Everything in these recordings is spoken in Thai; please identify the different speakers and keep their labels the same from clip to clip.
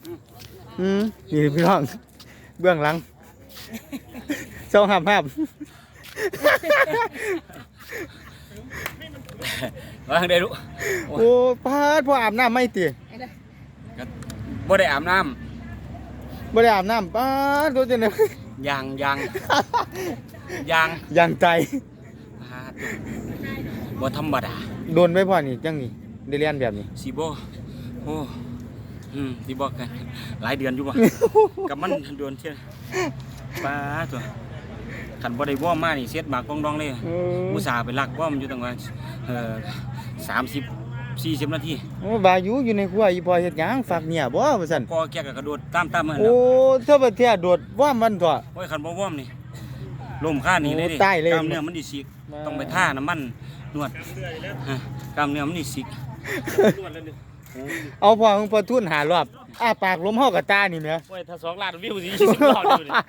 Speaker 1: นี่พี่น้องเบื้องหลังเจ้าห้าม
Speaker 2: ว่าทางใดรู้
Speaker 1: โอ้พาดพ่ออาบน้ำไม่ตี
Speaker 2: บ่ได้อาบน้ำ
Speaker 1: บ่ได้อาบน้ำป้าตัวเจนเลย
Speaker 2: ยาง
Speaker 1: ใจ
Speaker 2: บ่ธรรมดา
Speaker 1: โดนไปพ่อนี่จังนี่ได้เรียนแบบนี้
Speaker 2: สิบ่โอ้สิบ่กันหลายเดือนอยู่บ่กับมันโดนเที่ยป้าตัวคันบ่ได้ว่อมมานี่เสียดหมากกองดองเลยอุตส่าห์ไปลักว่อมอยู่ตั้งว่า30-40 นาที
Speaker 1: โอ้บาอยู่ในครัวอีพ่อเฮ็ดหยังฝากเนี่ยบ่ว่าซั่น
Speaker 2: พอแกก็กระโดดตามมัน
Speaker 1: โอ้เท่าประเทศโดดว่ามันตัว
Speaker 2: โอ้ยคันบ่ว่อมนี่ลมค่านี่เลยดิ
Speaker 1: ใต้เลย
Speaker 2: กล้ามเนื้อมันดิสิกต้องไปท่าน้ำมันนวดกล้ามเนื้อมันดิสิก
Speaker 1: เอาพ่อของพ่อทุน5รอบอ้าปากลมเฮากับตานี่แหม
Speaker 3: โอ้ยถ้า2 ล้านวิวสิ20 รอบอยู่นี่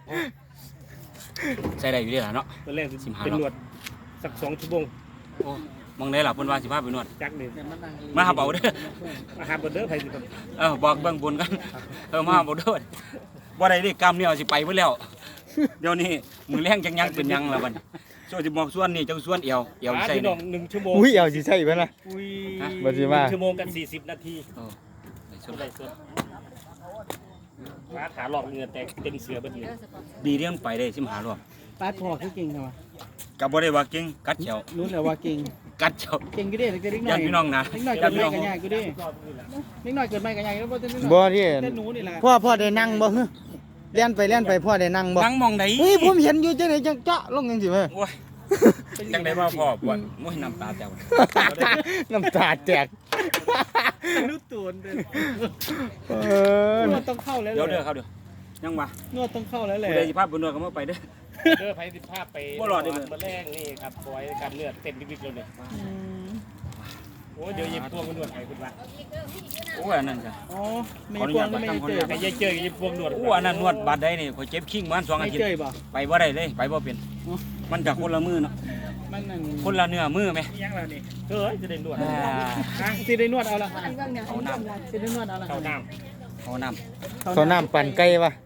Speaker 2: ใส่ได้อยู่เด้ล่ะเนาะ
Speaker 3: ตอนแรกเป็นนวดสัก2 ชั่วโมง
Speaker 2: โอ้มองได้ล่ะเพิ่นว่าสิพาไปนวด
Speaker 3: จักนี่
Speaker 2: มาหาเบาเด้อ
Speaker 3: มาหาบ่เด้อไผสิครับ
Speaker 2: บอกเบื้องบนกันมาหาเบาเด้อบ่ได้ดิกล้ามเนื้อสิไปเบิดแล้วเดี๋ยวนี้มือแรงจังยังเป็นยังล่ะบัดโซสิบอกส่วนนี่จังส่วนเอวใส่
Speaker 3: พี่น้อง1 ชั่วโมง
Speaker 1: อุ้ยเอาสิใช่บ่ล่ะ
Speaker 3: อุ้ย
Speaker 1: บ่สิว่า
Speaker 3: 1 ชั่วโมงกัน40 นาที
Speaker 2: ได้ส่วน
Speaker 3: มาขาหลอกเหงื่อแตกเต็มเสือบ่ดี
Speaker 2: ดีเรื่องไปได้15รอบ
Speaker 4: ป้าพอคือเก่งใช่ไหม
Speaker 2: ก็บ่ได้ว่าเก่งกัดเฉียว
Speaker 4: รู้แล้วว่าเก่ง
Speaker 2: กัดเฉียว
Speaker 4: เก่งก็ได้แต่เด็กน้
Speaker 2: ยั
Speaker 4: อน ย
Speaker 2: พี่น้องนะ
Speaker 4: เด็กน้อยเกิดไม่กันยากก็ได้เด็กน้อยเกิดไม่กันยากแล้วบ่เต้น
Speaker 1: บ่ที่
Speaker 4: เต้นหนูนี่แหละ
Speaker 1: พ่อได้นั่งบ่ฮึเล่นไปพ่อได้นั่งบ่
Speaker 2: นั่งมองไหน
Speaker 1: เฮ้ยผมเห็นอยู่จังได๋จังจ๊ะลงจังซี่แม่
Speaker 2: โอ้ยจังได้มาพ่อปวดโอ้ยน้ำตาแตก
Speaker 1: น้ำตาแตก
Speaker 4: รู้ตัวเด้
Speaker 1: เออน
Speaker 4: วดต้องเข้าแล้ว
Speaker 2: เดี๋ยวเด้อครับเดี๋ยวยังวะ
Speaker 4: นวดต้องเข้าแล้วแหละ
Speaker 2: ผู้ใดสิพาไปนวดก็มาไปเด้อ
Speaker 3: เด้อไผสิพาไป
Speaker 2: บ่รอดได้เลย
Speaker 3: มาแรงนี่ครับปล่อยการเลือดเต็มวิกๆเลยนี่โอ้เดี๋ยวยิบพวงมานวดให้คุณว่า
Speaker 2: โอ้ยอันนั้นจ้ะ
Speaker 4: อ๋อไม่กวางก็ไม่เจอ
Speaker 3: ไอ้ยายเจอยิบพวงนวด
Speaker 2: โอ้อันนั้นนวดบาดใดนี่ข่อยเจ็บขิงมัน2 อา
Speaker 4: ไม่
Speaker 2: ทิต
Speaker 4: เจอ
Speaker 2: ย์
Speaker 4: บ่
Speaker 2: ไปบ่ได้เลยไปบ่เป็นมันก็คนละมือเนาะ
Speaker 4: มันนั่น
Speaker 2: คนละเนื้อมือไหม
Speaker 3: ยังแล้วนี่เฮ้ยจะได้นวด
Speaker 4: สิได้นวดเอาละ
Speaker 2: เอาน้ำ
Speaker 4: สิได้นวดเอาละ
Speaker 3: เข้าน้
Speaker 2: เอาน้
Speaker 1: เขาน้ำปั่นไก่วะ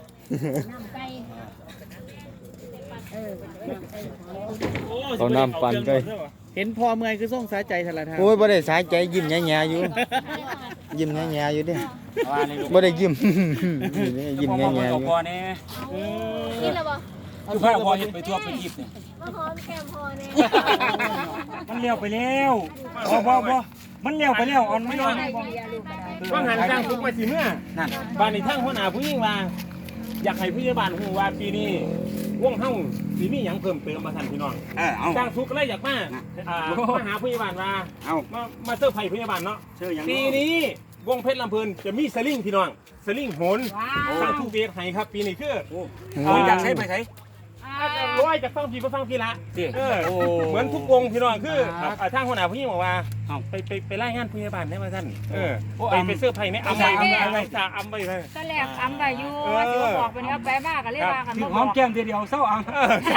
Speaker 3: ำ
Speaker 1: เอาน้ำปั่นไก่
Speaker 4: เห็นพอเมื่อยคือส่งสายใจทะละทาง
Speaker 1: โอ้ยบ่ได้สายใจยิ้มแย่ๆอยู่ยิ้มแย่ๆอยู่เด้
Speaker 2: ำว่านี่ลูก
Speaker 1: บ่ได้ยิ้ม ยิ้ม
Speaker 2: พ่อ
Speaker 1: แย่
Speaker 2: พ่อ
Speaker 1: ๆอยู่
Speaker 2: พ่อเนี่ย
Speaker 5: กินแล้วบ่
Speaker 2: คือพ่อพ่อไปทั่วไปยิบเนี่ย
Speaker 5: มาหอมแก้มพอเนี่ย
Speaker 2: มันเลี้ยวไปแล้วบ่มันเลี้ยวไปแล้วอ่อนไม่ยอม
Speaker 5: ได้ดีอะลูกก็ได้
Speaker 3: ว่างหันสร้างทุกไปสิเมื่อ
Speaker 2: นั่น
Speaker 3: บ้านในทั้งหัวหน้าผู้หญิงว่าอยากให้ผู้ใหญ่บ้านฮู้ว่าปีนี้วงเฮาสิมีหยังเพิ่มเติมมาท่านพี่น้อง
Speaker 2: เอา
Speaker 3: สร้างทุกข์ก็เลยอยากมามาหาผู้ใหญ่บ้านว่า
Speaker 2: เอา
Speaker 3: มาเซอร์ไพรส์ผู้ใหญ่บ้านเนาะ
Speaker 2: เชื่อยัง
Speaker 3: ปีนี้วงเพชรลำเพลินจะมีสลิงพี่น้องสลิงโหนสร้างทุกเวทให้ครับปีนี้คือ
Speaker 2: อยากใช้ไปใช้
Speaker 3: ร้อยจากฟังพี่ก็ฟังพี่ละ
Speaker 2: สิ
Speaker 3: เหมือนทุกวงพี่น้องคือทางหัวหน้าผู้หญิงบอกว่าไปไล่งานผู้ใหญ่บ้านได้มาท่านไปเสื้อร์ไผ่ในอำไปจ่าอำไปเลย
Speaker 5: ตอนแรกอำไว้อยู่ว่าสิบอกไปเนี่ยไปบ้ากันเลยว่ากัน
Speaker 2: ถึ
Speaker 5: บ่
Speaker 2: ง
Speaker 5: บ
Speaker 2: ห
Speaker 5: อ
Speaker 2: อก มแก้มเดียวเศร้าอัง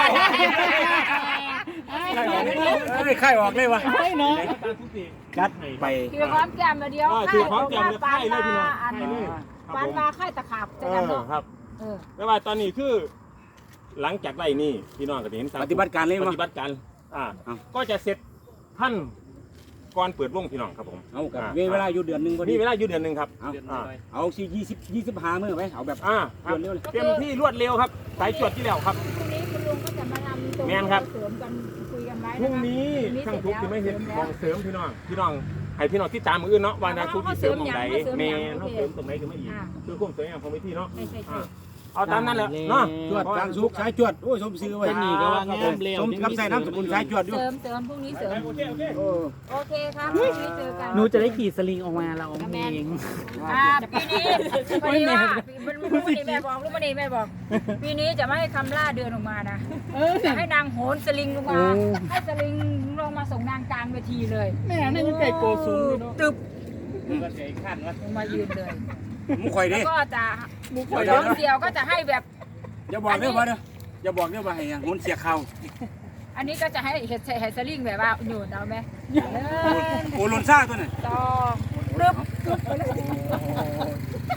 Speaker 2: ไข่ออกเลยวะ
Speaker 4: เฮ้ยเนาะ
Speaker 2: กัดไป
Speaker 5: คือหอมแก้มเดียว
Speaker 3: คือพร้อมแก้มเลยไข่เลยพี่น้อง
Speaker 5: อัน
Speaker 3: ไข่เลย
Speaker 5: ปานมาไข่ตะขาบจะนำเนาะ
Speaker 3: ครับไม่ว่าตอนนี้คือ หลังจากไล่นี่พี่น้องก็เห็น
Speaker 2: ปฏิบัติการเลย
Speaker 3: ป
Speaker 2: มั้ง
Speaker 3: ฏิบัติการก็จะเสร็จท่านก่อนเปิดวงพี่น้องครับผม
Speaker 2: เอากับเวลาอยู่เดือนนึงพอดี
Speaker 3: นี่เวลาอยู่เดือนหนึ่งครับ
Speaker 2: เอาสิ25มื้อไหมเอาแบบ
Speaker 3: ครับเต็มที่รวดเร็วครับสายจวดที่แล้วครับ
Speaker 5: พรุ่งนี้คุณลุงก็จะมารำตรง
Speaker 3: แม่นครับ
Speaker 5: เสริมกันคุยกันไว้
Speaker 3: พรุ่งนี้ช่างทุกที่ไม่เห็นมองเสริมพี่น้องให้พี่น้องที่ตามมืออื่นเนาะว่านาทุกที่เสริมตรงไหนเมนเขาเสริมตรงไหนก็ไม่อีกคือคุ้มสวยงามของวิธีเนาะ
Speaker 5: ใช่
Speaker 3: เอาตามนั้นแหละเนาะ
Speaker 2: จวดกลางสุกสายจวดโอ้ยสมซื้อไว้
Speaker 4: เป็นหนีก็ว่างามเร็ว
Speaker 2: สมกับใส่น้ำสกุลสายจวดอยู่
Speaker 5: เสริมพรุ่งนี้เสริม
Speaker 3: โอเค
Speaker 5: โอเคครับพรุ่งนี้เจอกัน
Speaker 4: หนูจะได้ขี่สลิงออกมาเราเอง
Speaker 5: ปีนี้วันนี้ว่าวันนี้แม่บอกลูกวันนี้แม่บอก ปีนี้จะไม่ให้คำล่าเดินออกมานะจะให้นางโหนสลิงลงมาให้สลิงลงมาส่งนางกลางเวทีเลย
Speaker 4: แม่นี่มันไก่โกสูงเนาะ
Speaker 5: ตึบ
Speaker 3: ก็เสียขั้นวะ
Speaker 5: ลงมายืนเลย
Speaker 2: มุข่อยดิ
Speaker 5: แล้วก็จะน้องเดียวก็จะให้แบบ
Speaker 2: อย่าบอกเด้อว่าเด้ออย่าบอกเด้อว่าให้หุ่นเสียเข่า
Speaker 5: อันนี้ก็จะให้เห็ดสลิงแบบว่าโยนเอาไหม
Speaker 2: โอ้หล่นซ่าตัวนั้น
Speaker 5: ต่อรึบ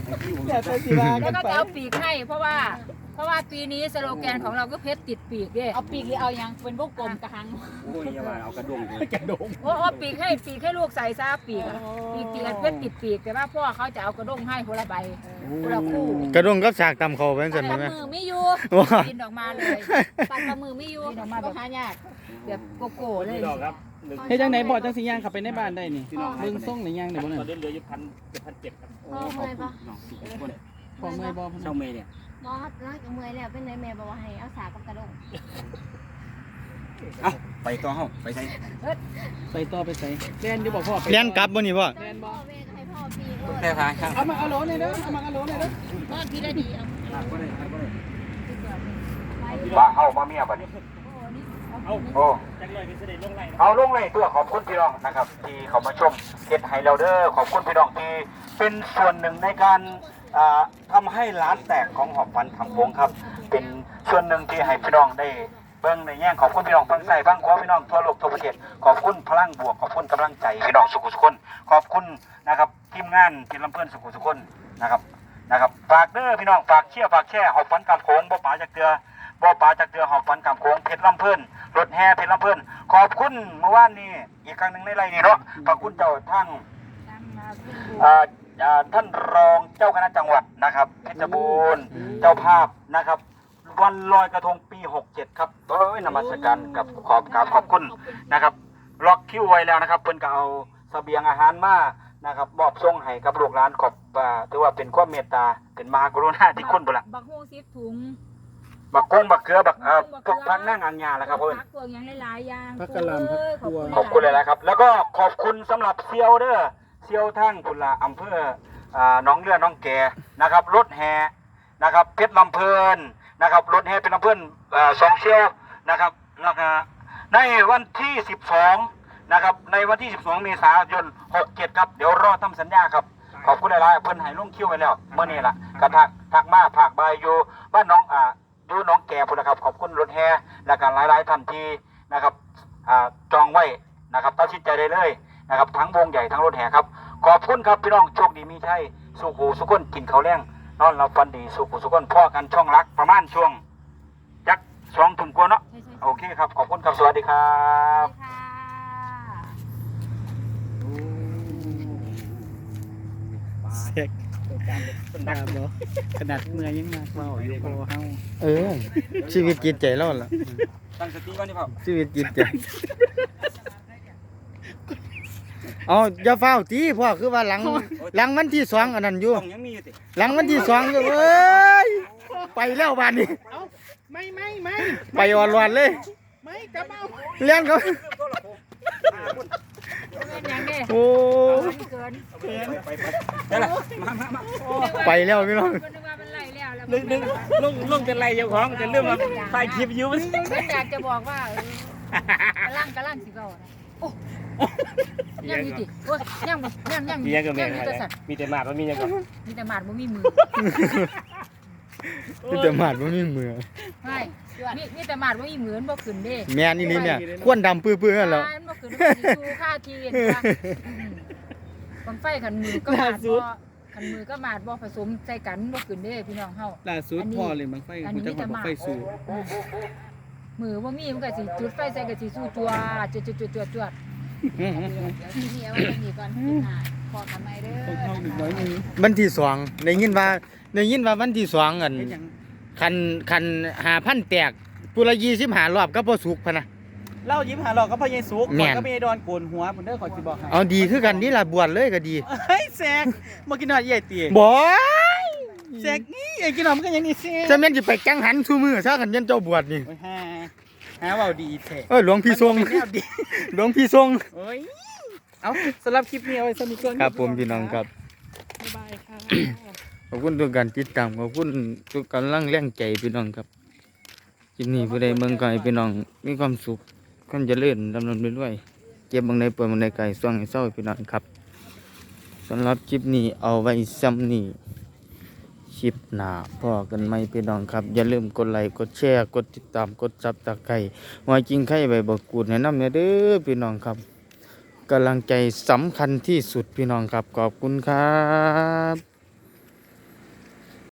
Speaker 4: แต่แต่สิว่า
Speaker 5: แล้
Speaker 4: กั
Speaker 5: วน ก็
Speaker 4: ไป
Speaker 5: จะเอาปีกให้เพราะว่าปีนี้สโลแกนของเราก็เพชรติดปีกดิเอาปีกหรือเอายังเป็นพวกกลมกระหัง
Speaker 2: โอ้ยอย่าว่าเอากระด้งเลย
Speaker 4: กระโดง
Speaker 5: โอ้ปีกให้ลูกใส่ซะปีกติดเพชรติดปีกแต่ว่าพ่อเขาจะเอากระด้งให้คนละใบคนละคู่
Speaker 1: กระดงกับสากตำเขาเป็นสัน
Speaker 5: ตั
Speaker 1: ไหม
Speaker 5: ดมือไม่อยู่
Speaker 1: ว้า
Speaker 5: บินออกมาเลย
Speaker 6: ตัดกับมือไม่อยู่
Speaker 5: บินออกมาแบบหายากแบบโกโก้เลย
Speaker 3: พี่น้องครับ
Speaker 4: เฮ็ดจังไหนบ่จังสิย่างเข้าไปในบ้านได้นี่เบิ่งส่งได้ย่างได้บ่
Speaker 3: ต
Speaker 4: นั่น
Speaker 3: อนนี้เหลืออยู่1,700ครับ
Speaker 6: พ่อเมื่อยปะ
Speaker 2: น้องทุกคน
Speaker 4: พอเมื่อยบ่
Speaker 2: เจ้าเมย์เนี่ย
Speaker 6: บอสรักกับเมื่อยแล้วเป็นไรแม่บอกว่าให้เอาสากับกระดง
Speaker 2: เอ้าไปต่อเฮาไปใส่
Speaker 4: ไปต่อไปใส่เรียนอยู่บ่พ่อไป
Speaker 1: เลี้ยนกลับบ่นี่บ่
Speaker 6: เรียนพ่อแม่ก็ให้พ่อปีก
Speaker 2: แต่ทางข้าง
Speaker 4: เอามาเอาโหลนี่เด้อเอามาเอาโหลนี่เด้อ
Speaker 6: พ่อพี่ได้ดีเอา
Speaker 2: บ่ได้บ่ได้
Speaker 7: ว่าเอามาเมียบัดนี้โอ้เอาลงเลยตัวขอบคุณพี่น้องนะครับ ที่เขามาชมเฮ็ดไฮเราเดอร์ขอบคุณพี่น้องที่เป็นส่วนหนึ่งในการทำให้ร้านแตกของหอบฟันคำวงครับ เป็นส่วนหนึ่งที่ให้พี่น้องได้เบิ่งในแง่ขอบคุณพี่น้องฟังใส่ฟังขอพี่น้องทั่วโลกทั่วประเทศขอบคุณพลังบวกขอบคุณกำลังใจพี่น้องสุขุสุขคนขอบคุณนะครับทีมงานทีมลำเพื่อนสุขุสุขคนนะครับฝากเด้อพี่น้องฝากเชียร์ฝากแช่หอบฟันกำโขงบ่ป๋าจากเกลือหอบฟันกำโขงเพชรลำเพื่อนรถแห่เพชรลำเพื่อนขอบคุณเมื่อวานนี้อีกครั้งหนึ่งในไรนี่เนาะขอบคุณเจ้าทั้งท่านรองเจ้าคณะจังหวัดนะครับเพชรบูรณ์เจ้าภาพนะครับวันลอยกระทงปี 67 ครับนมัสการกับขอบคุณนะครับล็อกคิวไว้แล้วนะครับเพิ่นก็เอาเสบียงอาหารมานะครับมอบส่งให้กับลูกหลานขอบถือว่าเป็นความเมตตาเป็นมหากรุณาธิคุณบุญละ
Speaker 5: บักฮูซิบถุง
Speaker 7: บักกุ้งบักเกลือบักพวกพักนั่งอันยาแล้วครับเพิ่น
Speaker 5: พักพวกยังหลายๆอย่าง
Speaker 4: พักกะหล่ำพักบัว
Speaker 7: ขอบคุณเลยนะครับแล้วก็ขอบคุณสำหรับเซียวเด้อเซียวทั้งคุณละอำเภอน้องเลือน้องแกนะครับรถแห่นะครับเพชรลำเพลินนะครับรถแห่เป็นลำเพลิน2เซียวนะครับแล้วก็ในวันที่12นะครับในวันที่12เมษายน67ครับเดี๋ยวรอทำสัญญาครับขอบคุณหลายๆเพิ่นให้ลงคิวไว้แล้วเมื่อนี้ล่ะกระทักมาภาคบายอยู่บ้านน้องดูน้องแก่พุ่นนะครับขอบคุณรถแห่และการหลายๆท่านที่นะครับจองไว้นะครับตัดสินใจได้เลยนะครับทั้งวงใหญ่ทั้งรถแห่ครับขอบคุณครับพี่น้องโชคดีมีชัยสุขหูสุขคนกินข้าวแรงนอนหลับฝันดีสุขหูสุขคนพ่อกันช่องรักประมาณช่วงจัก2 ทุ่มกว่าเนาะโอเคครับขอบคุณครับสวัสดีครับ
Speaker 5: ค่ะ
Speaker 4: เสกตาบ่ขนาดเมื่อยยังมากเว้าอยู่พอเฮา
Speaker 1: ชีวิตจิตใจเราล่ะ
Speaker 2: ตั้งสติก่อนนี่พ่อ
Speaker 1: ชีวิตจิตใจเอาอย่าเฝ้าตีพ่อคือว่าหลังวันที่2อันนั้นอยู่
Speaker 2: ต้องยังมีอยู่ติ
Speaker 1: หลังวันที่2อยู่ไปแล้วบ้านนี้
Speaker 4: ไม่
Speaker 1: ไปอ่อนรวนเลย
Speaker 4: ไม่กลับเอา
Speaker 1: เลี้ยงเขา
Speaker 5: เป็นยังไง
Speaker 1: โอ้
Speaker 5: เกิน
Speaker 2: ได้ละมา
Speaker 1: ไปแล้วพี่น้อง
Speaker 5: นึกว่ามันไล่แล้วแล้ว
Speaker 2: ลงเป็นไรเจ้าของแต่เรื่องมาถ่ายคลิปอยู่มัน
Speaker 5: มันอยากจะบอกว่ากำลังสิเก่านะโอ้ยังมีติโอ้ยยัง
Speaker 3: มียังก็แม่
Speaker 5: มีแต่สัตว์
Speaker 3: มีแต่หมาดว่ามียังก็
Speaker 5: มีแต่หมาดบ่มีมือ
Speaker 1: มีแต่หมาดบ่มีมือ
Speaker 5: ไม่มีแต่หมาดบ่มีมือมันบ่ขึ้นเด้
Speaker 1: แม่นี่นี่เนี่ยควนดำปื้อๆนั่นแหล้ว
Speaker 5: มันบ่ขึ้นมันสิสู้ค่าทีเห็นปะบังไฟขันมือก็หมาดบ่ขันมือก็หมาดบ่ผสมใส่กันบ่ขึ้นเด้พี่น้องเฮา
Speaker 4: ล่าสุดพ่อเลยบังไฟกูจะขอบังไฟสู่
Speaker 5: มือว่ามีมันก็สิจุดไฟใส่ก็สิสู้จัวจวด
Speaker 6: นี่เอาไว้ตรงนี้ก่อนพอกันไหมเด้
Speaker 4: ต้องเข้าอีกน้
Speaker 6: อ
Speaker 4: อยนึง
Speaker 1: วันที่2ได้ยินว่าวันที่2อัน
Speaker 4: เฮ็ดหยัง
Speaker 1: คัน5,000แตกปุละ25รอบก็บ่สุกพะนะ
Speaker 4: เล่ายิ้มหาหลอกกับพ่อใหญ่สุก
Speaker 1: แม่น
Speaker 4: ก็มีดอนโกนหัวพุ่นเด้อขอสิบอกให้
Speaker 1: เอาดีคือกันนี่ล่ะบวชเลยก็ดี
Speaker 4: เฮ้ยแซกบ่กินหน่อยใหญ่ตี
Speaker 1: บ่
Speaker 4: แซกนี่ไอ้กินหน่อยมันก็ยังนี่แซก
Speaker 1: จะแม่นสิไปจังหันซุมื้อซะกันยันเจ้าบวชนี่
Speaker 4: โอ้ยหาเว้าดีแท้
Speaker 1: หลวงพี่ทรง
Speaker 4: มันเป็นแนวดี
Speaker 1: หลวงพี่ทรง
Speaker 4: โอ้ยเอาสำหรับคลิปนี้เอาไว้สมิก่อน
Speaker 1: ครับผมพี่น้องครับ
Speaker 4: บ๊ายบายค่ะ
Speaker 1: ขอบคุณทุกการติดตามขอบคุณทุกกำลังแรงใจพี่น้องครับคลิปนี้ผู้ใดเมืองไกลพี่น้องมีความสุขความเจริญดำเนินไปด้วยเก็บบางใดป่วยบางใดไกลส่วงให้เศร้าพี่น้องครับสำหรับคลิปนี้เอาไว้ซ้ำนี้คลิปหน้าพอกันไหมพี่น้องครับอย่าลืมกดไลค์กดแชร์กดติดตามกดซับตะไคร้ว่าจริงไข่ใบบักกูดแนะนำเนี่ยเด้อพี่น้องครับกำลังใจสำคัญที่สุดพี่น้องครับขอบคุณครับ